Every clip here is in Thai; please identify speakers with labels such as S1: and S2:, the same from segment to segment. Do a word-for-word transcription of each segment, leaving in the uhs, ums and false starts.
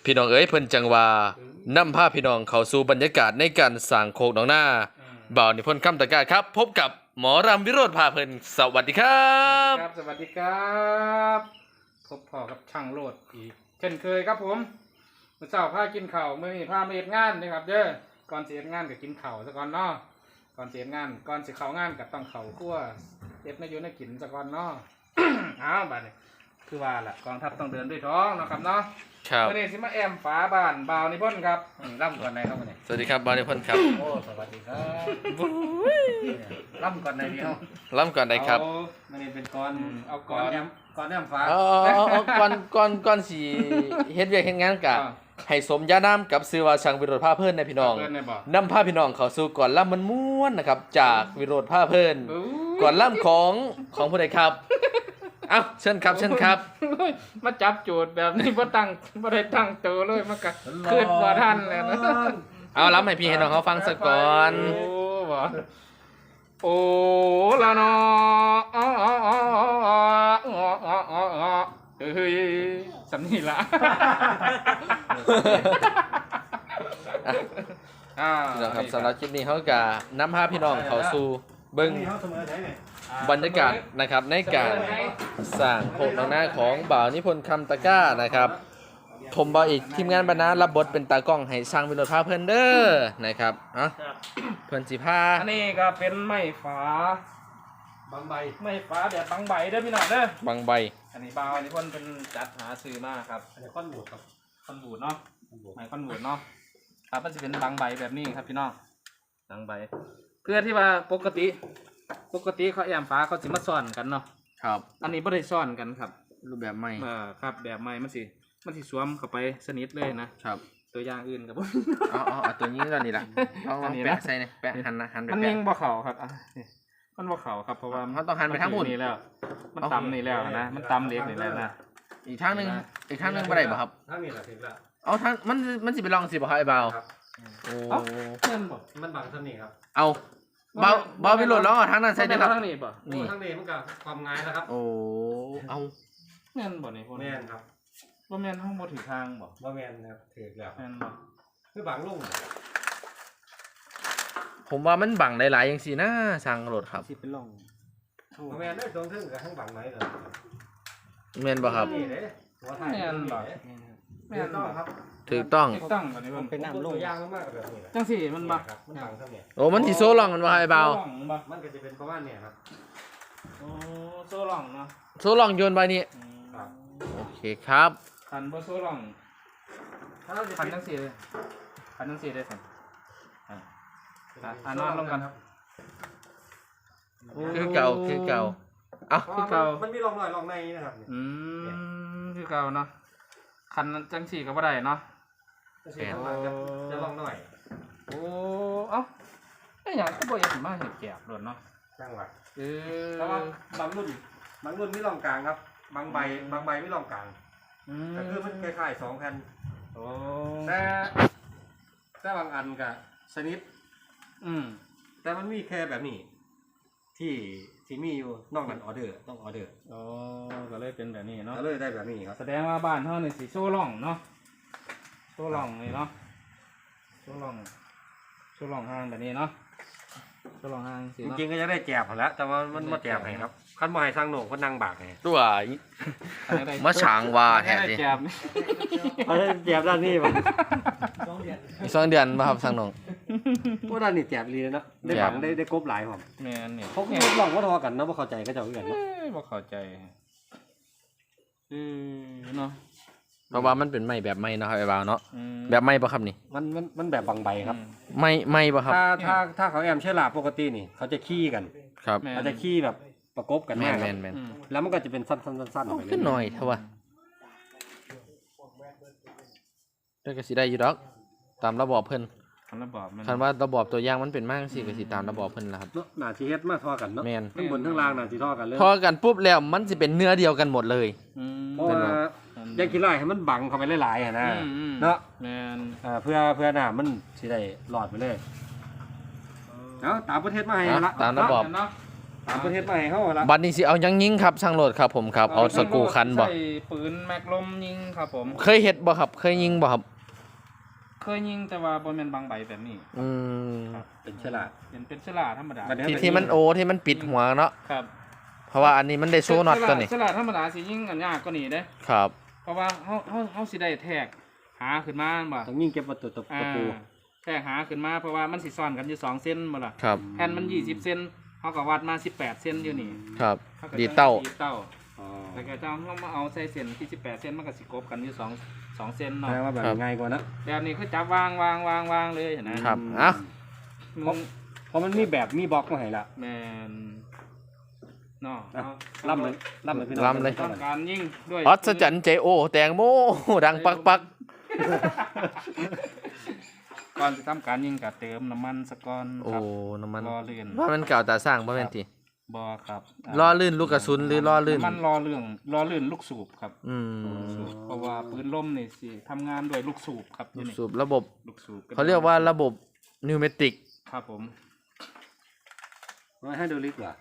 S1: พี่น้องเอ๋ยเพิ่นจังว่านำพาพี่น้องเข้าสู่บรรยากาศในการสร้างโคกหนองนาบ่าวนิพนธ์คำตะกร้าครับ พบกับหมอรำวิโรธพาเพลินสวัสดีครับ
S2: ครับสวัสดีครับพบพ่อกับช่างโลดอีกเช่นเคยครับผมเมื่อเช้าพากินข้าวมื้อนี้พามาเฮ็ดงานนะครับเด้อก่อนสิเฮ็ดงานก็กินข้าวซะก่อนเนาะก่อนสิเฮ็ดงานก่อนสิเข้างานก็ต้องเข้าครัวเฮ็ดมาอยู่ในกินซะก่อนเนาะ อ้าวบัดนี้คือว่าล่ะกองทัพต้องเดินด้วยท้องเนาะครับเนาะ
S1: ครับ
S2: วันนี้สิมาแอมฝาบ้านบ่าวนิพนธ์ครับอืมร่ำก่อนไหนครับวันนี้
S1: สวัสดีครับบ่าวนิพนธ์ครับ
S2: โอ้สวัสดีครับร่ำก่อนไหนเดียว
S1: ล้ำก่อนได้ครับ
S2: เอามันนี่เป็นก้อนเอาก้อนแอมก้อนแอมฟ้า
S1: เอาเอาเอาเอาก่อนก่อนก่อนสิเฮ็ดเวียกเฮ็ดงานกะ
S2: อ่า
S1: ให้สมญานามกับชื่อว่าช่างวิโรธพาเพลินนะพี่น้อง
S2: เพื่อนในบอก
S1: นำพาพี่น้องเข้าสู่ก่อนล่ำมันม่วนนะครับจากวิโรธพาเพลิน
S2: อู้
S1: ก่อนล่ำของของผู้ใดครับเอ้าเชิญครับเชิญครับ
S2: มาจับโจทย์แบบนี้บ่ตั้งบ่ได้ตั้งตัวเลยมันก็ขึ้นบ่ทันแล้วนะ
S1: เอาล้ำให้พี่ให้น้องเขาฟังสักก่อน
S2: โอ้บ่โอ้ละเนาะอ๋ออ๋ออ๋ออ๋ออ๋ออ๋ออ๋อเฮ้ยสำนี่ละอ่า
S1: นะครับสำหรับคลิปนี้เขาก็นำพาพี่น้องเข้าสู่เบิ้งบรรยากาศนะครับในการสร้างโคกหนองนาของบ่าวนิพนธ์คำตะกร้านะครับผมบ่าวอีกทีมงานบรรณารับบทเป็นตากล้องให้ช่างวิโรธพาเพลินเด้อนะครับเอ่ะเพิ่นสิพา
S2: อันนี้ก็เป็นไม้ฝา
S3: บางใบ
S2: ไม้ฝาแบบบางใบเด้อพี่น้องเด้อ
S1: บางใบ
S2: อันนี้บ่าวอันนี้เพิ่นเป็นจัดหาซื้อมาครับ
S3: อันนี้ข้อนหมูครับ
S2: คอนบูดเนาะ
S3: ข้อนหมู
S2: ไม้คอนบูดเนาะครับมันจะเป็นบางใบแบบนี้ครับพี่น้องบางใบ เพื่อที่ว่าปกติ ปกติเขาแอมฟ้าเขาสิมาซ่อนกันเนาะ
S1: ครับ
S2: อันนี้บ่ได้ซ่อนกันครับ
S1: รูปแบบใหม่
S2: เออครับแบบใหม่มันสิมันสิสวมเข้าไปสนิทเลยนะครับ ตัวอย่างอื่นกับ
S1: เอาเอาเอาตัวนี้ก่อนนี่ล่ะลองล
S2: อั
S1: อน ง
S2: นี้นะ
S1: แปะใส่นี่แปะหันนะหันไป
S2: มัน
S1: แปะ
S2: ยิงบ่เข้าครับอ่ะนี่มันบ่เข้าครับเพราะว่า
S1: เขาต้องหันไปทางบน
S2: นี่แล้ว มันต่ำนี่แล้วนะมันต่ำเล็กนี่แล้วนะ
S1: อีกทางหนึงอีกทางหนึงบ่ได้บ่ครับ
S3: ทั้งนี้แหละถึงแล้ว
S1: เอาทางมันมันสิไปลองสิบ่ครับไอ้บ่าว
S3: ครับ
S1: โอ้
S2: เอ้าเพื่อนบ่
S3: มันบางท่านี้ครับ
S1: เอาเบาเบาไปโหลดร้องเอาทางนั้นใส่เด้อครับ
S2: ทางนี้บ่
S1: นี่
S3: ทั้งนี้มันกับความง่ายนะครับ
S1: โอ้เอา
S2: แม่นบ่นี่พวก
S3: แม่
S2: นี้
S3: นครับ
S2: บ่แม่นห้องบ่ถือทางบ่
S3: ว่าแม่นนะครับถือแล้ว
S2: แม่นบ่
S3: คือบางลุ่ง
S1: ผมว่ามันบังหลายๆจังซี่นะสร้างโหลดครับ
S2: สิเป็นร่อง
S3: ว่าแม่นได้ตรงทึ่งกับทั้งบางไหนเลย
S1: แม่นบ่ครับ
S3: นี่เลยหัวไทย
S2: แม่นบ่
S3: แม่นต้องครับ
S1: ถูกต้อง
S2: ถูกต้องบ่นี่เพิ่น
S3: เป็นน้ำลุ่งย่างมากๆแบบนี้แหละ
S2: จังซี่มันบ่
S3: ครับมันบางเท่านี้
S1: โอ้มันสิโซลองกันบ่ครับไอ้บ่าว
S2: โซ่ร่องบ่
S3: มันก็จะเป็นประมาณเนี้ยครับ
S2: โอ้โซ่ร่องเนาะ
S1: โซลองโยนไปนี่
S2: อืม
S3: ครับ
S1: โอเคครับ
S2: คันบ่โซ่ร่อง
S3: ถ้าเราจะ
S2: คันจังซี่เลยคันจังซี่ได้ซั่นอ่า อ่ะอ่ะนอนลงกัน
S3: ครับ
S1: คือเก่าคือเก่าเอ้า
S3: เพราะว่ามันมันมีร่องรอยร่องในนะครับเนี่ย
S2: อืมคือเก่าเนาะคันจังซี่ก็บ่ได้เนาะ
S3: จะสีข้างหลังจะจะร่องหน่อย
S2: โอ้เอ้าไอ้หยังก็บ่เฮ็ดมาเฮ็ดแกบโดดเนาะ
S3: จังหวะ
S2: เออ
S3: แต่ว่าบางรุ่นบางรุ่นมีร่องกลางครับ บางใบบางใบไม่ร่องกลาง
S2: อืม
S3: แต่คือมันคล้ายๆสองแผ่น
S2: โอ้
S3: แต่แต่บางอันกับชนิด
S2: อืม
S3: แต่มันมีแค่แบบนี้ ที่ที่มีอยู่นอกนั้นออเดอร์ต้องออเดอร์
S2: โอ้ก็เลยเป็นแบบนี้เนาะ
S3: ก็เลยได้แบบนี้ครับ
S2: แสดงว่าบ้านเฮานี่สิโซ่ร่องเนาะโซ่ร่องนี่เนาะโซ่ร่องโซ่ร่องห้างแบบนี้เนาะโซ่ร่องห้างสิ
S3: จ
S2: เนาะ
S3: ริงๆก็จะได้แจบหั้นแหล้วแต่ว่ามันมาแจบให้ครับขั้นมาให้ทางโหน่งก็นั่งบากไง
S1: ตัว
S2: อันนี้ได้
S1: มาฉางว่าแท้
S2: ได้
S1: ดิ
S2: แจบ
S3: เขาได้แจบด้านนี้ป่ะ
S1: อีกสองเดือนบ่ครับสังน้อง
S3: พวกด้านนี้แจบลีเนาะได้บังได้ได้กบหลายผม
S2: แม่นนี่
S3: เขาก็ลองว่าทอกันนะว่าเข้าใจก็จะเอาเงินเนาะ
S2: เอ้ยบ่เข้าใจอือเนาะ
S1: เพราะว่ามันเป็นไม้แบบใหม่เนาะครับไอ้บ่าวเนาะ
S2: อืม
S1: แบบใหม่บ่ครับนี่
S3: มันมันมันแบบบางใบครับ
S1: ใหม่ใหม่บ่ครับ
S3: ถ้าถ้าถ้าเขาแอมเชื่อลาปกตินี่เขาจะขี้กัน
S1: ครับ
S2: แม่น
S3: เขาจะขี้แบบประกบกัน
S1: แม่
S3: มาน กค
S1: แม่
S3: รับ
S1: นแม่น
S2: อืม
S3: แล้วมันก็จะเป็นสั้นๆสั้นๆออก
S1: เอา
S3: ไปเรื่
S1: ขึ้นหน่อยเถอะวะได้ก็สิได้อยู่ดอก ตามระบอบเพิ่น
S2: คันระบอบมัน
S1: คันว่าระบอบตัวอย่างมันเป็นมากสิก็สิตามระบอบเพิ่นล่ะครับ
S3: เนาะหน้าที่เฮ็ดมาทอกันเนาะ
S1: แม่น
S3: ทั้งบนทั้งล่างหน้าที่ทอกันเลย
S1: พอกันปุ๊บแล้วมันสิเป็นเนื้อเดียวกันหมดเลย
S2: อืม
S3: เพราะว่าอยางขี้ไล่ให้มันบังเข้าไปหลายๆอ่ะนะ
S2: อืมอืม
S3: เนาะ
S2: แม่น
S3: อ่าเพื่อเพื่อหน้ามันสิได้หลอดไปเลยเอาตามประเทศมาให้
S1: เอา
S3: ละ
S1: ตามระบอบ
S2: เนาะ
S3: ต่างประเทศมาให้เฮาละ
S1: บัดนี้สิเอาหยังยิงครับช่างโหลดครับผมครับเอาสกรูคันบ่
S2: ใส่ปืนแม็กลมยิงครับผม
S1: เคยเฮ็ดบ่ครับเคยยิงบ่ครับ
S2: เคยยิงแต่ว่าบ่แม่นบางใบแบบนี้
S1: อืม
S3: เป็นฉลาด
S2: เป็นเป็นฉลาดธรรมดา
S3: บัดนี้
S1: ที่ที่มันโอที่มันปิดหัวเนาะ
S2: ครับ
S1: เพราะว่าอันนี้มันได้โซน็อตตัวนี้
S2: ฉลาดธรรมดาสิยิงอันยากกว่านี้เด้
S1: ครับ
S2: เพราะว่าเฮาเฮาเฮาสิได้แทกหาขึ้นมาบ่
S3: ต้องยิ่งเก็บวัตถุตะ
S2: อ่า
S3: ปู
S2: แทกหาขึ้นมาเพราะว่ามันสิซ้อนกันอยู่สองเส้นบ่ล่ะ
S1: ครับ
S2: แผ่นมันยี่สิบเซนเฮาก็วัดมาสิบแปดเซนอยู่นี่
S1: ครับ
S2: ฮก็
S1: ดีดเต้า
S2: ดีดเต้า
S3: อ๋อ
S2: แล้วก็จะเอามาเอาใส่เส้นที่สิบแปดเซนมันก็สิกบกันอยู่สองสองเซน
S3: แส
S2: เนาะ
S3: ดงว่าแบบ
S1: ครับ
S3: ง่ายกว่านะ
S2: แบบนี้คือจับวางวางวางวางเลยเห็นนะครับ
S1: เอ้า
S2: มึง
S3: เพราะมันมีแบบมีบล็อกมาให้ละ
S2: แมนเนาะ
S3: อ่ะ
S2: เอา
S3: ล่ำเลยล่ำเลยพี่น้อง
S1: ล่ำเลย
S2: ต้องการยิ่งด้วย
S1: อัศจรรย์เจโอแตงโมดังปักปัก
S2: ก่อนจะทำการยิ่งกับเติมน้ำมันสะก่อน
S1: โอ้
S2: ครับ
S1: น้ำมัน
S2: รอเลื่อน
S1: ว่ามันเก่าตาสร้างบ่แม่นติ
S2: บอครับ
S1: ล่อลื่นลูกกระสุนหรือล่อลื่น
S2: น้ำมันรอเรื่องรอลื่นลูกสูบครับ
S1: อืม
S2: สูบเพราะว่าปืนลมนี่สิทำงานด้วยลูกสูบครับ
S1: ลู
S2: นี่
S1: ก
S2: นี่
S1: สูบระบบ
S2: ลูกสูบ
S1: เขาเรียกว่าระบบนิวเมติก
S2: ครับผม
S3: ไม่ให้ดูลิกว่า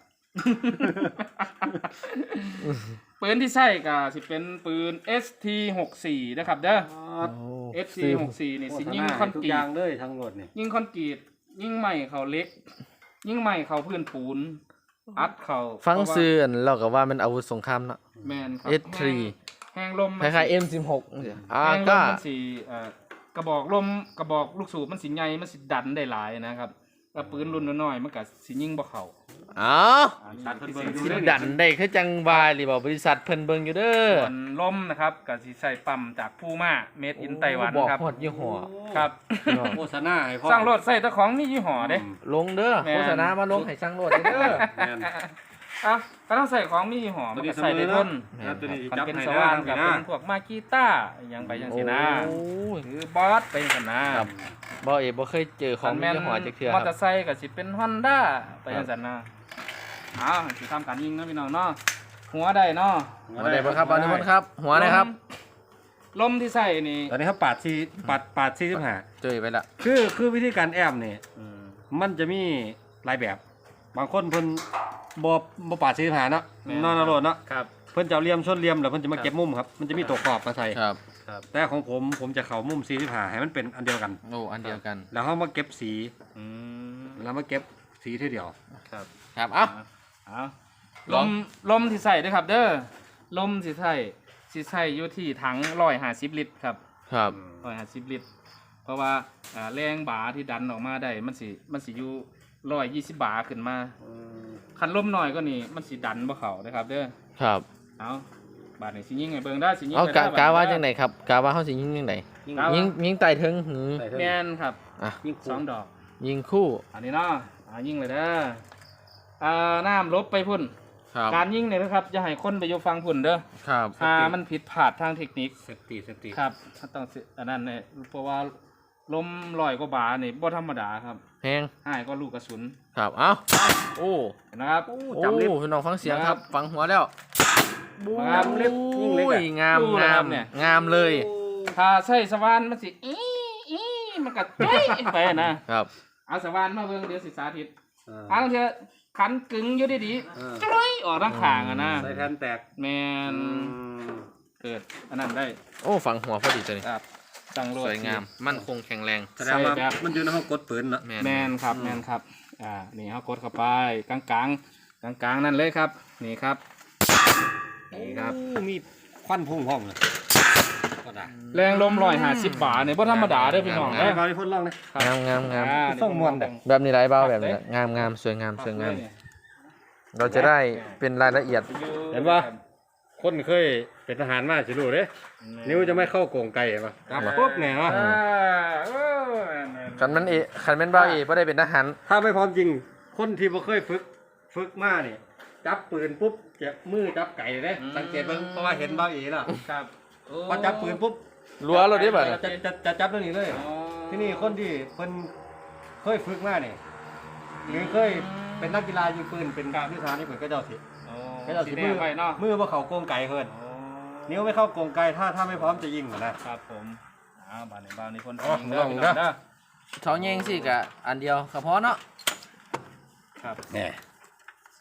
S2: ปืนที่ใช้ก็สิเป็นปืน เอส ที หกสิบสี่นะครับเด้อ เอส ที หกสิบสี่นี่สิยิงคอน
S3: ทุก
S2: กรี
S3: อย่า
S2: ต
S3: งเลยทั้งหมดนี่
S2: ยิงคอนกรีตยิงใหม่เขาเล็ก ยิงใหม่เขาพื้นปูน อัดเขา
S1: ฟังซื่ออันเราก็ว่ามันอาวุธสงครามเนาะ
S2: แมนครับ
S1: เอส ทรี
S2: แหงลม
S1: คล้ายๆ เอ็ม สิบหก อ่า
S2: แหงล
S1: ก็
S2: มมันสีเอ่อกระบอกลมกระบอกลูกสูบมันสิใหญ่มันสิดันได้หลายนะครับแต่ปืนรุ่นน้อยๆมันก็สิยิงบ่เข้า
S1: อ้าว
S2: อันนี้
S3: ตัดเพิ่นเบิ่ง
S2: พิ
S3: ดู
S2: เศษ
S3: เด้อ
S1: ดันได้คือจังวายหรือบ่บริษัทเพิ่นเบิ่งอยู่เด้อ
S2: ส่วนลมนะครับก็สิใส่ปั๊มจากพูม่าเมดอินไต้หวัน
S1: บอก
S2: ครับ
S1: ฮอดยี่ห้อ
S2: ครับ
S3: โฆษณาให้พ่อ
S2: สร้างรถใส่แต่ของมียี่ห้อเด้
S1: ลงเด้อ
S2: แม่น
S1: โฆษณามาลงให้ช่างโลดเด้อ
S3: แม่น
S2: อ่ะก็ต้องใส่ของมียี่ห้อมันก็ใส่ได้ทน
S3: ครับตัวนี้
S2: มัน
S3: จับ
S2: เป็น
S3: ให้
S2: ส
S3: ได้
S2: ว่าน
S3: ค
S2: กั
S3: รั
S2: บบ เป็
S3: นะ
S2: นพวกมากีต้าอหยังไปจังซี่นะ
S1: โอ้ย
S2: หรือบอสไปจังซี่นะครับ
S1: บ่เอบ่เคยเจอของมียี่ห้อจักเทื่อ
S2: ม
S1: ค
S2: อเตอ
S1: รับ
S2: ร์ไซค์ก็สิเป็น Honda ไปจังซี่นะอ้าวสิทำการยิงเนาะพี่น้องเนาะหัวได้เนาะ
S1: หัวได้บ่ครับบอลนิพนธ์ครับ หัวได้ครับ
S2: ลมที่ใส่นี่
S3: ตอนนี้เขาปาดซีปาดปาดซีสิบห้า
S1: เจอไปละ
S3: คือคือวิธีการแอมนี่มันจะมีหลายแบบ บางคนเพิ่นบ่บ่ปาดซีสิบห้าเนาะนอนอรดเนาะ
S2: ครับ
S3: เพิ่นจะเอาเหลี่ยมชนเหลี่ยมแล้วเพิ่นจะมาเก็บมุมครับมันจะมีตัวขอบมาใส่
S1: ครับ
S3: แต่ของผมผมจะเข้ามุมซีสิบห้าให้มันเป็นอันเดียวกัน
S1: โอ้อันเดียวกัน
S3: แล้วเขามาเก็บสี
S2: อืม
S3: แล้วมาเก็บสีทีเดียว
S2: ครับ
S1: ครับเอ้า
S2: เอาล
S1: ลอง
S2: มลมที่ใส่ด้วยครับ เด้อลมที่ใส่ที่ใส่อยู่ที่ถังร้อยห้าสิบลิตรครับ
S1: ครับ
S2: ร้อยห้าสิบลิตร เพราะว่าอ่าแรงบาที่ดันออกมาได้มันสิมันสิอยู่ร้อยยี่สิบบาขึ้นมาคันลมหน่อยก็นี่มันสิดันบ่เข้านะครับ เด้อ
S1: ครับ
S2: เอาบาดนี่สิยิงไงเบิ่งได้สิยิง
S1: เอา
S2: ไป
S1: กะ
S2: ได้
S1: กะว่า
S2: บด
S1: จังไดครับกะว่าเฮาสิยิงจังได
S2: กะว่า
S1: ยิงยิงไต่ถึงหือ
S3: ใส่เท่า
S2: แม่
S3: นี้
S2: นครับ
S1: อ่ะ
S3: ยิ่ง
S2: สองดอก
S1: ยิงคู่
S2: อันนี้เนาะอ่ายิงเลยเด้ออ่าน้ำลบไปพุ่น
S1: ครับ
S2: การยิงเนี่ยนะครับจะให้คนไปอยู่ฟังพุ่นเด้อ
S1: ครับ
S2: ถ้ามันผิดพลาดทางเทคนิค
S3: เซฟตี้เซฟตี้
S2: ครับมันต้องสิอันนั้นเนี่ยเพราะว่าลมลอยกว่าบานี่บ่ธรรมดาครับ
S1: แพง
S2: หายก็ลูกกระสุน
S1: ครับเอ้าโอ้
S2: เห็นะครับ
S1: โอ้
S3: จำเล็บ
S1: พี่น้องฟังเสียง
S2: ค
S1: ค
S2: รั
S1: รับ บฟังหัวแล้ว
S2: งามเล็บ
S3: ยิ่งเล็ก
S1: โอ้
S3: อะ
S1: ยงาม
S2: ดูนะ
S1: งา
S2: ครั
S1: ม
S2: บเนี่ย
S1: งามเลย
S2: ถ้าใส่สว่านมันสิอีอีมันก็จ้อยไปนะครับ เอาสว่านมาเบิ่งเดี๋ยวสิสาธิต
S3: อ่า
S2: อันเถอะขันกึ่งอยู่ดี
S3: เออ
S2: ๆจ้อยออกทางข้างอะนะ
S3: ใส่แผ่นแตก
S2: แมนเกิดอันนั้นได้
S1: โอ้ฟังหัวพอดีตัวนี้
S2: ครับจังโลด
S1: สวยงาม มั่นคงแข็งแรง
S3: แสดงว่า
S2: ใส่แบบ
S3: มันอยู่ในห้องกดปืนเนาะ
S1: แมน
S2: แมนครับแมนครับอ่านี่เขากดเข้าไปกลางกลางกลางกลางๆนั่นเลยครับนี่ครับนี่ครับ
S3: โอ้มีควันพุ่งห้องเลยก็ได้
S2: แรงลมร้อยห้าสิบบาทเนี่ยบ่ธรรมดาเด้อพี่น้อง
S3: ได้
S2: เด้อ
S3: บาริพ่นล่องเลย
S1: งามงามงาม
S2: อ่า
S3: ส่งมวลเด้อ
S1: แบบนี้ไรเบ้าแบบนี้งามงามสวยงามสวยงาม เราจะได้เป็นรายละเอียด
S3: เห็นปะ คนเคยเป็นทหารมาสิรู้เด้นิ้วจะไม่เข้าโกงไก่ปะครับปุ๊บเนี่ยเนาะ
S2: อ่าโอ้
S1: คันมันเอคันแมันบ้าเอบ่ได้เป็นทหาร
S3: ถ้าไม่พร้อมจริง คนที่บ่เคยฝึกฝึกมาเนี่ยจับปืนปุ๊บเจ็บมือจับไก่เลยสังเกตเบิ่งเพราะว่าเห็นบ้าเอ๋ล่ะ
S2: ครับโ
S3: พอจับปืนปุ๊บ
S1: รัวเราได้บ่
S3: จะจะจะจะจับเรื่องนี้เลย
S2: อ๋อ
S3: ที่นี่คนที่เพิ่นเคยฝึกมาเนี่ยหรือเคยเป็นนักกีฬายิงปืนเป็นวิชานี่เพิ่นก็เจ้าสิ
S2: โอ้
S3: ก็เจ้าสิ
S2: สีแด
S3: มื
S2: งไปเนาะ
S3: มือบ่เข้าโกงไก่เพิ่น
S2: โอ้
S3: นิ้วไม่เข้าโกงไก่ถ้าถ้าไม่พร้อมจะยิงนะครับ
S2: ผมอ้าวบาดนี้บาดนี้คน
S3: อ๋อ
S2: ยิงเด้อ
S3: ลอง
S2: พี่
S3: เด้
S2: น้
S3: อ
S2: องเด้อ
S1: เขาแย่งสิกะอันเดียวก็พอเนาะ
S2: ครับ
S3: แหน่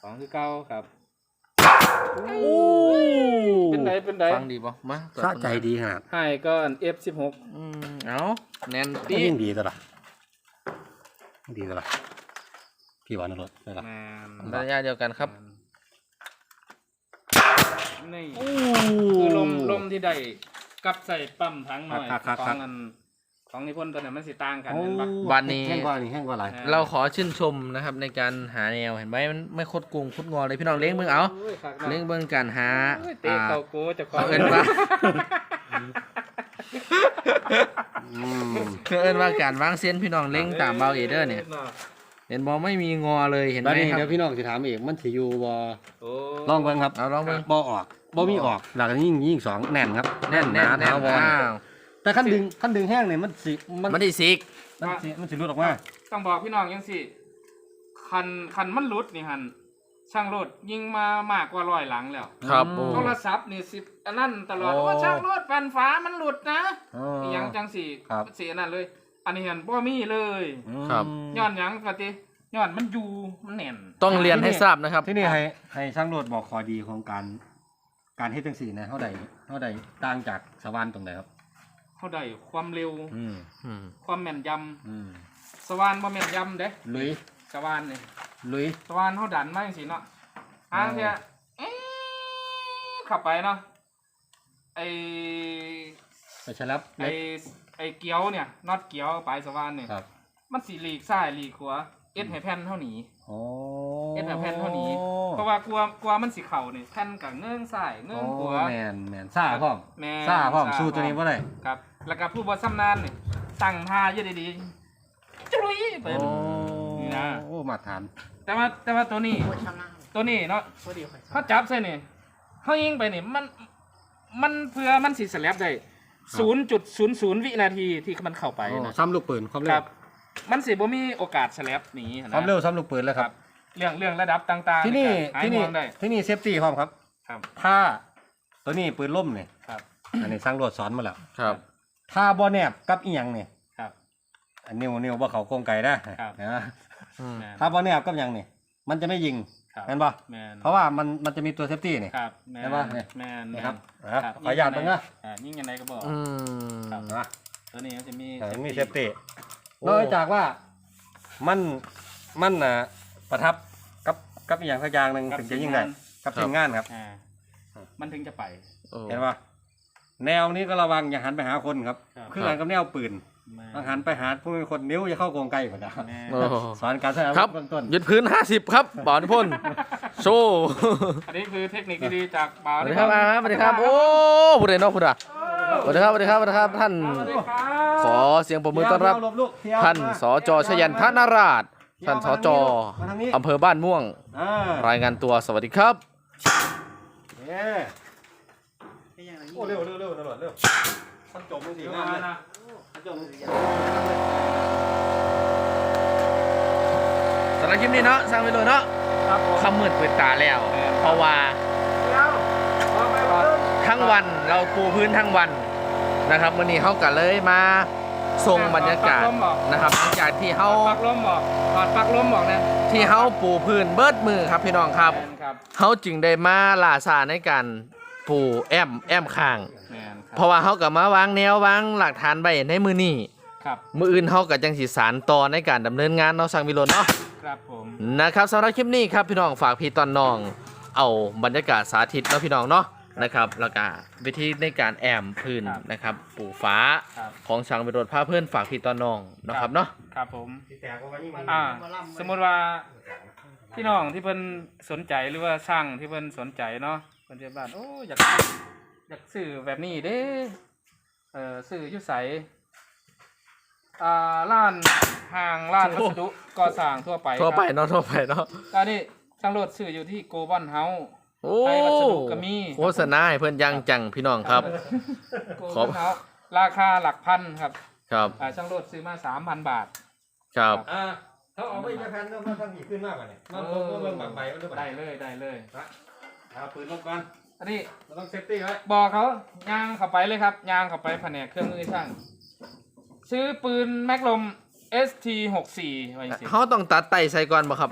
S2: สองคือเก้าครับ
S1: โอ้
S2: เป็นไดเป็นได
S1: ฟังดีป่ะมา
S3: สะใจดีขนาด
S2: ให้ก็อัน เอฟ สิบหก
S1: อืมเอาแน่น
S3: ก็
S1: ปี๊
S3: ยิ่งดีตวละดีตวละพี่หวานนรสได้ละ
S2: แมน
S1: ระยะเดียวกันครับ
S2: นี่
S1: โอ้
S2: คือลมลมที่ได้กับใส่ปั๊มทั้งหน่อยของอันของนิพนธ์ตัวนั้นมันสิต่างกัน
S3: โอ้
S2: เห็นปะ
S1: บ้านนี้
S3: แห้งกว่านี่แห้งกว่าอะไร
S1: เราขอชื่นชมนะครับในการหาแนวเห็นไหมมันไม่คดโกงคดงอเลยพี่น้องเลี้ยงเบิ่งเอา
S2: โยคักนะ
S1: เลี้ยงเบิ่งการหา
S2: โอ้ยเตะ
S1: อ่า
S2: เข่าโก้เจะขอ
S1: เขาเอิ้นว่า
S3: อืม
S1: เขาเอิ้นว่าการวางเส้นพี่น้องเลี้ยงตามเบาเอเดอร์เนี่ยเห็นบอไม่มีงอเลยเห็นไห
S3: บั
S1: ม
S3: ดนี้
S1: ครั
S3: เดี๋ย
S1: บ
S3: วพี่น้องสิถามอีกมันสิอยู่บ่
S2: โอ้
S3: ลองเบิ่งครับ
S1: เอาลองเบิ่ง
S3: บ่ออกบ่มีออกหลักยิ่งยิ่งสองแน่นครับ
S1: แน่นแน่น
S3: หา
S1: แน่น
S3: ถาวร
S1: อ้าว
S3: แต่ขั้นดึงขั้นดึงแห้งเนี่ยมันสิมัน
S1: มันได้ซิก
S3: มันสิมันสิหลุดออกมา
S2: ต้องบอกพี่น้องยังสิคันคันมันหลุดนี่หันช่างรถยิงมามากกว่าร้อยหลังแล้ว
S1: ครับโอ้
S2: โทรศัพท์นี่สิอันนั้นตลอด
S1: โอ้
S2: ว่าช่างรถแฟนฟ้ามันหลุดนะ
S3: อ๋อ
S2: อหยังจังสิ
S3: ครับ
S2: สิอันนั้นเลย อันนี้เห็นบ่มีเลย
S1: ครับ
S2: ย้อนหยังปกติย้อนมันอยู่มันแน่น
S1: ต้องเรียนให้ทราบนะครับ
S3: ที่นี่ให้ให้ช่างโรดบอกข้อดีของการการเฮ็ดจังซี่นะเท่าใดเท่าใดต่างจากสวรรค์ตรงไหนครับ
S2: เขาได้ความเร็ว
S3: อืม
S1: อืม
S2: ความแม่นย
S3: อืม
S2: ำสว่านบ่แม่นยำเด้
S3: ลุย
S2: สว่านนี่
S3: ลุย
S2: สว่านเขาดันมาจังซี่เนาะหางเที่ยเอ๊ะเข้าไปเนาะไอ
S3: ไปฉลับ
S2: ไอ
S3: เล็ก
S2: ไอเกียวเนี่ยน็อตเกียวปลายสว่านเนี่ย
S3: ครับ
S2: มันสีหลีกซ้ายหลีกขวาเอ็ดให้แผ่นเท่านี้
S3: โอ้
S2: เอ็ดให้แผ่นเท่านี้ เพราะว่ากลัวกลัวมันสีเข่าเนี่ยแผ่นกับเงื่องซ้ายเงื่องขวา
S3: แมนแมนซ่าพร้อม
S2: แม่น
S3: ซ่าพร้อม
S2: ซ่า
S3: สู้ตัวนี้บ่ได้
S2: ครับ แล้วก็ผู้บอซ้ำนานเนี่ยตั้งท่าเยอะดีๆจุ้ยไป
S3: โอ้
S2: นี่นะ
S3: โอ้มาทาน
S2: แต่ว่าแต่ว่าตัวนี้ตัวนี้เนาะเขาจับใส่เนี่ยเขายิงไปเนี่ยมันมันเพื่อมันสีสแลบได้ศูนย์จุดศูนย์ศูนย์วินาทีที่มันเข้าไป
S3: โอ้
S2: นะ
S3: ซ้ำลูกปืนความ
S2: ค
S3: เร็
S2: รั
S3: ว
S2: บ มันสิบ่มีโอกาสสแลบหนี
S3: ค
S2: นะ
S3: วามเร็วซ้ำลูกปืนแล้ว
S2: ค
S3: ค
S2: รั
S3: รั
S2: บบ เรื่องเรื่องระดับต่างๆ
S3: ที่นี่
S2: หาย
S3: ที่
S2: ห่
S3: นี่
S2: วงได้
S3: ที่นี่เซฟตี้พร้อมครับ
S2: ครับ
S3: ถ้าตัวนี้ปืนล่มเนี่ย
S2: ครับ
S3: อันนี้สร้างรวดสอนมาแล้ว
S1: ครับ
S3: ถ้าบ่แนบกับอีหยังเนี่ย
S2: ครับ
S3: อันนิ้วนิ้วบ่เขาโกงไก่นะครับ นะ
S1: อืม
S2: แมน
S3: ถ้าบ่แนบกับหยังนี่มันจะไม่ยิง
S2: ครับ
S3: เห็นป่ะ
S2: แมน
S3: เพราะว่ามันมันจะมีตัวเซฟตี้นี่
S2: ครับแมน
S3: ได้ปะเนี่ย
S2: แมน
S3: นะครับ
S2: แม
S3: อ่ะ
S2: ครับ
S3: ขออนุญาตเบิ่งนะ
S2: อ่ายิ่งยังไงก็บอก
S1: อืม
S2: ครับ
S3: นะ
S2: ตัวนี้มันจะมี
S3: แต่มีเซฟตี้
S1: โอ้
S3: นอกจากว่ามันมันน่ะประทับกับกับอีหยังสักอย่างหนึงถึงจะยิงได้กับทีมงานครับ
S2: อ่ามันถึงจะไป
S1: โอ้
S3: เห็นป่ะแนวนี้ก็ระวังอย่าหันไปหาคนครับ
S2: ครับ
S3: คือหันกับแนวปืน
S2: แมน
S3: ต้องหันไปหาผู้มีคนนิ้วจะเข้าโกงไกลกว่านะ
S2: แมน
S1: โอ้
S3: สอนการใช้อาวุ
S1: ครั
S3: ธ
S1: บ
S3: เบื้องต้น
S1: ยึดพื้นห้าสิบครับบ่าวนิพนธ์โชว์
S2: อันนี้คือเทคนิคดีๆจากบ่าว
S1: สวัสดีครับอ่าสวัสดีครับ โอ้ผู้ใดเนอกผู้ใดสวัสดีครับสวัสดีครับสวัสดีครับ ท่าน
S2: สวัสดีครับ
S1: ขอเสียงปรบมือต้อนรับ ท่านสจชยันทนาราช ท่านสจอำเภอบ้านม่วง
S3: อ่าร
S1: ายงานตัวสวัสดีครับ
S3: เย้โอ้เร็วเร็วเร็วตำรวจเร็วท่านจบมือสี
S2: เดี๋ยว
S3: งาม
S2: มา
S3: เลย
S2: นะ
S3: ท่านจบมือสี
S1: สำหรับคลิปนี้เนาะสร้างไปเลยเนาะ
S2: ครับผม
S1: คำมืดเปิดตาแล้ว เพราะว่า
S2: เดี๋ยวพอไปก่อน
S1: ทั้งวันเราปูพื้นทั้งวันนะครับวันนี้เขาก็เลยมาส่งบรรยากาศนะครับหลังจากที่เขา
S2: ถอดปลักลมบอกถอดปลักลมบอกนะ
S1: ที่เขาปูพื้นเบิดมือครับพี่น้องครับ
S2: แมนครับ
S1: เขาจึงได้มาลาซาในการปูแอมแอมข้าง
S2: แมนค
S1: เพ
S2: รับ
S1: ราะว่าเขาก็มาวางแนววางหลักฐานไว้ในมือนี้
S2: ครับ
S1: มืออื่นเขาก็จังสิสารต่อในการดำเนินงานเนาะสังวิโรจน์เนาะ
S2: ครับผม
S1: นะครับสำหรับคลิปนี้ครับพี่น้องฝากพี่ตอนน้องเอาบรรยากาศสาธิตเนาะพี่น้องเนาะนะครับแล้วก็วิธีในการแอมพื้นนะครับปูฟ้า
S2: ครับ
S1: ของสังวิโรจน์พาเพื่อนฝากพี่ตอนน้องนะครับเนาะ
S2: ครับผม
S3: สีแตกว่ายิ่งมัน
S2: อ่า สมมติว่าพี่น้องที่เพิ่นสนใจหรือว่าช่างที่เพิ่นสนใจเนาะเพิ่นจะบ้านโอ้อยากอยากซื้อแบบนี้เด้เออซื้ออยุใสอ่าร้านห้างร้านวัสดุก่อสร้างทั่วไป
S1: ทั่วไป
S2: ครับ
S1: เนาะทั่วไปเนาะ
S2: ก็นี่ช่างรถซื้ออยู่ที่โกบอนเฮา
S1: โอ้
S2: ไทยวัสดุก็มี
S1: โฆษณาให้เพื่อนยังจังพี่น้องครับ
S2: โก
S1: ข
S2: บ
S1: อ
S2: อบ นเฮาราคาหลักพันครับ
S1: ครับ
S2: อ่าช่างรถซื้อมาสามพันบาท
S1: ครับ
S3: อ่าเขาเอาไปจะแพนแล้วมันทำหีขึ้นมากกว่าเนี่ยมันเบิ่งเบิ่งบางใบมันหรือเปล่า
S2: ได้เลยได้เลย
S3: เอาปืนลบกัน
S2: อันนี้
S3: เราต้องเซฟตี้ไว้
S2: บอกเขาย่างเข้าไปเลยครับย่างเข้าไปแผนกเครื่องมือช่าง ซื้อปืนแม็กลม เอส ที หกสิบสี่ไว้สิ
S1: เขาต้องตัดไตใส่ก่อนบ่ครับอันนี้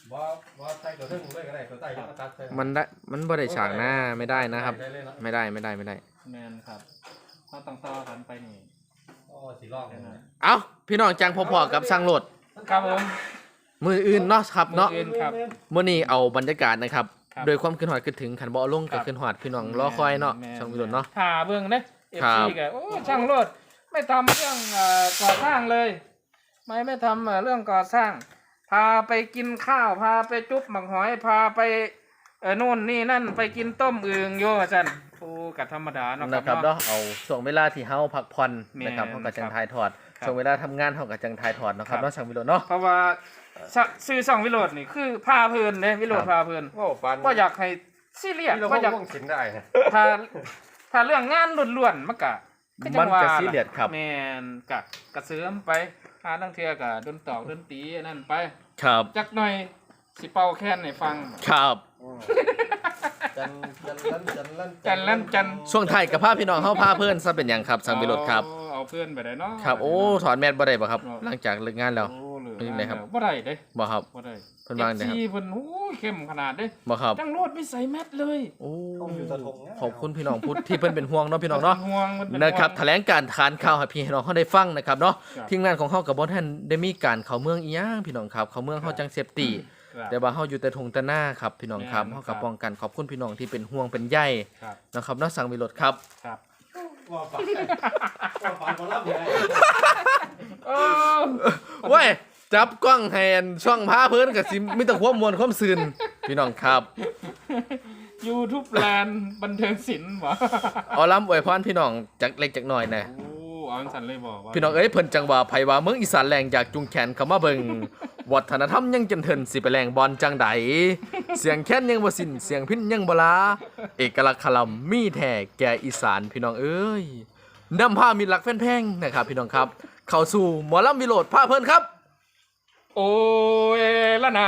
S3: บ่บ่ใส่ตัวทึ่งเลยก็ได้ตัวใต้ก็ตัดใส่
S1: มันได้มันบ่ได้ฉากหน้าไม่ได้นะครับ
S3: ได้เลยเนาะ
S1: ไม่ได้ไม่ได้ไม่ได้
S2: แมนครับเขาต้องต่อกันไปนี่
S3: โอ้สิลอกเลยนะ
S1: เอ้าพี่น้องจังพอๆกับสร้างโหลด
S2: ครับผม
S1: มืออื่นเนาะครับเนาะ
S2: มื้ออื่นครับ
S1: มื้อนี้เอาบรรยากาศนะครับ
S2: ครับ
S1: โดยความขึ้นหอดขึ้นถึงขันบ่เอาลง
S2: ครั
S1: กับบ ขึ้นหอดพี่น้องรอคอยเนาะ
S2: แม่
S1: ช่องวิโรจน์เนาะ
S2: ถ่าเบิ่งเด้เอฟ
S1: ครั
S2: ซี
S1: บ
S2: ก็โอ้ช่างโลดไม่ทำเรื่องเอ่อก่อสร้างเลย ไม่ไม่ทำเอ่อเรื่องก่อสร้าง พาไปกินข้าวพาไปจุ๊บหมักหอยพาไปเออนู่นนี่นั่นไปกินต้มอึ่งโยว่าซั่นโอ้ก็ธรรมดาเนาะค
S1: นะ
S2: รับ
S1: ครับ
S2: เนาะ
S1: เนาะเอาช่วงเวลาที่เฮาพักผ่อน
S2: แม่น
S1: นะครับเฮาก็จัง
S2: ครับ
S1: ถ่ายทอด
S2: ครับ
S1: ช่วงเวลาทำงานเฮาก็จังถ่ายทอดเนาะครับ
S2: ครับ
S1: เนาะช่างวิโรจน์เนาะ
S2: เพราะว่าซะซื้อช่องวิโรจน์นี่คือพาเพลินเด้วิโรจน์
S1: ครับ
S2: พาเพลิน
S3: โอ้ฟัน
S2: บ่อยากให้ซีเรียส
S3: ที่เรา
S2: บ่อยาก
S3: วงสินได้นะ
S2: ถ้าถ้าเรื่องงานล้วนๆมันก็คือจั
S1: มัน
S2: งว่า
S1: ก็ซีเรียสครับ
S2: แม่นกะกระเสริมไปหาตั้งเทื่อก็ดนตอกดนตรีอันนั่นไป
S1: ครับ
S2: จักหน่อยสิเป่าแค้นให้ฟัง
S1: ครับ
S3: จันจันลั่นจันลั่น
S2: จันลั่นจัน
S1: ช่วงไทายกับพาพี่น้องเฮาพาเพิ่นซะเป็นหยังครับช่างวิโรจน์ครับ
S2: เอาเอาเพื่อนไปได้เนาะ
S1: ครับโอ้ถอนแมสบ่ได้บ่ครับ
S2: เอา
S1: หลังจากเลิกงานแล้ว
S2: โอ้เหลือ
S1: เป็นจังไดครับ
S2: บ่ได้เด้
S1: บ่ครับ
S2: บ่ได้
S1: เพิ่นว่าจังไดครับ
S2: เอฟซีเพิ่นโอ้ยเข้มขนาดเด้
S1: บ่ครับ
S2: จังโลดไม่ใส่แมสเลย
S1: โอ้
S3: ต้องอยู่ตะทง
S1: ขอบคุณพี่น้องพุทธที่เพิ่นเป็นห่วงเนาะพี่น้องเนาะ
S2: ห่วงมันเป็น
S1: นะครับ
S2: ห่วง
S1: แถลงการทานข่าวให้พี่น้องเขาได้ฟังนะครับเนาะ
S2: ครับ
S1: ทีมงานของเขากับบ่ท่านได้มีการเข้าเมืองอีหยังพี่น้องครับเข้าเมืองเขาจังเซฟตี้
S2: ครับ
S1: แต่ว่าเฮาอยู่แต่ทงแต่หน้าครับพี่น้องครับ
S2: แม่น
S1: เฮา
S2: ครั
S1: กับบ ป้องกันขอบคุณพี่น้องที่เป็นห่วงเป็นใย
S2: ครับ
S1: นะครับเนาะสั่งวิโรจน์ครับ
S2: ครับ
S3: ว่าฟันว่าฟันคนรับยังไง
S2: โอ้
S1: เว้ยจับกล้องแฮนช่องพาเพิ่นก็สิมีแต่ความมวลความซื่นพี่น้องครับ
S2: ยูทูบแลนด์บันเทิงศิลป์บ่
S1: เอาล้ำอวยพรพี่น้องจักเล็กจักน้อยนะ
S2: โอ้เอาจังสันเลยบอกว่า
S1: พี่น้องเอ้ยเพิ่นจังว่าไผว่าเมืองอีสานแรงอยากจุงแขนเข้ามาเบิ่งวัฒนธรรมยังจนเทินสิไปแรงบอลจังใดเสียงแค้นยังบ่สิ้นเสียงพินยังบ่ลาเอกลักษณ์คำมีแท้แก่อีสานพี่น้องเอ้ยนำพามิตรรักแฟนเพลงนะครับพี่น้องครับ เข้าสู่หมอลำวิโรจน์พาเพิ่นครับ
S2: โอ้ยละนา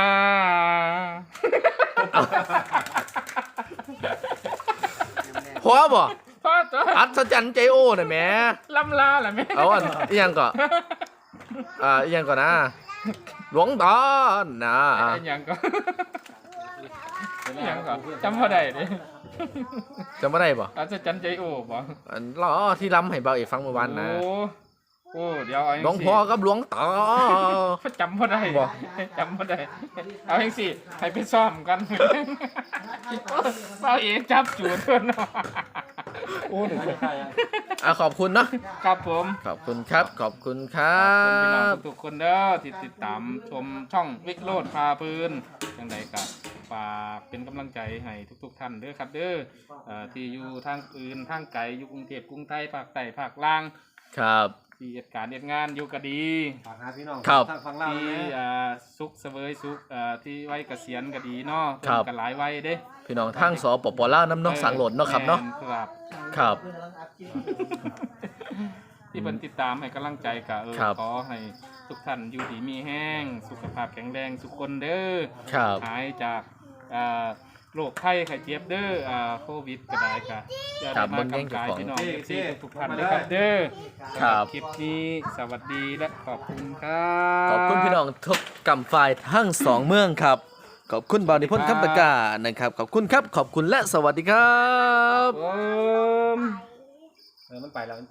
S1: พอบ่
S2: พ่อจ้า
S1: อัศจรรย์ใจโอ้น่ะแหม
S2: ลำลาแหละแม่
S1: เอาอันอีหยังก่อนอ่าอีหยังก่อนนะหลวงตานะ
S2: ไอ้หยังก็หยังก็จำพอได้เดิ
S1: จำบ่ได้บ่
S2: อาจจะจันใจโอ้บ่
S1: อันล้อที่ล้ำให้เบาเอกฟังเมื่อวานนะ
S2: โอ้โอ้เดี๋ยวเอา
S1: หลวงพ่อกับหลวงตา
S2: จำพอได้
S1: บ่
S2: จำพอได้เอาเองสิให้ไปซ่อมกันเอาเองจับจูดเพื่อนเนาะ
S3: โอ้หนึ่งใครอ่ะ
S1: อ่ะขอบคุณเนาะ
S2: ครับผม
S1: ขอบคุณครับ ขอบคุณครั
S2: ขอบคุณพี่น้อง
S1: บ
S2: ทุกๆคนเด้อที่ติดตามชมช่องวิกโรดพาปืนจังใดก็ฝากเป็นกำลังใจให้ทุกๆท่านเด้อครับเด้อเอ่อที่อยู่ทางอื่นทางไกลอยู่กรุงเทพกรุงไทยภาคใต้ภาคล่าง
S1: ครับ
S2: ที่เหตุการณ์เหตุงานอยู่ก็ดี
S3: ฝากหาพี่น้อง
S1: ครับ
S3: ทางฝั่งลาว
S2: ที่
S3: นะ
S2: อ่าสุขเสวยสุขอ่าที่ไว้เกษียณก็ดีเนาะ
S1: ครับ
S2: เพิ่นกันหลายไว้เด้
S1: พี่น้องทางสปปลาวน้ำเนอกสังโหลดเนาะครับเนาะ
S2: แม่ครับ
S1: ครับ
S2: ที่เพิ่นติดตามให้กำลังใจก็เออ
S1: ครับ
S2: ขอให้ทุกท่านอยู่ดีมีแห้งสุขภาพแข็งแรงทุกคนเด้อ
S1: ครับ
S2: หายจากอ่าโรคไข้ไข้เจ็บเด้ออ่าโควิดก็ได้ค่ะอย่า
S1: ครั
S2: ได้
S1: บ
S2: มาก
S1: เบิ่ง
S2: กำกาย
S1: เจ้าของ
S2: พี่น้องที่ทุกท่านเลยครับเด้อ
S1: ครับ
S2: สำหคลิปนี้สวัสดีและขอบคุณครับ
S1: ขอบคุณพี่น้องทุกกำฝ่ายทั้งสองเมืองครับ ขอบคุณบาวนิพนธ์คำตะกร้านะครับ ขอบคุณครับ ขอบคุณและสวัสดีครับ
S2: ผม
S3: เออมันไปแล้ว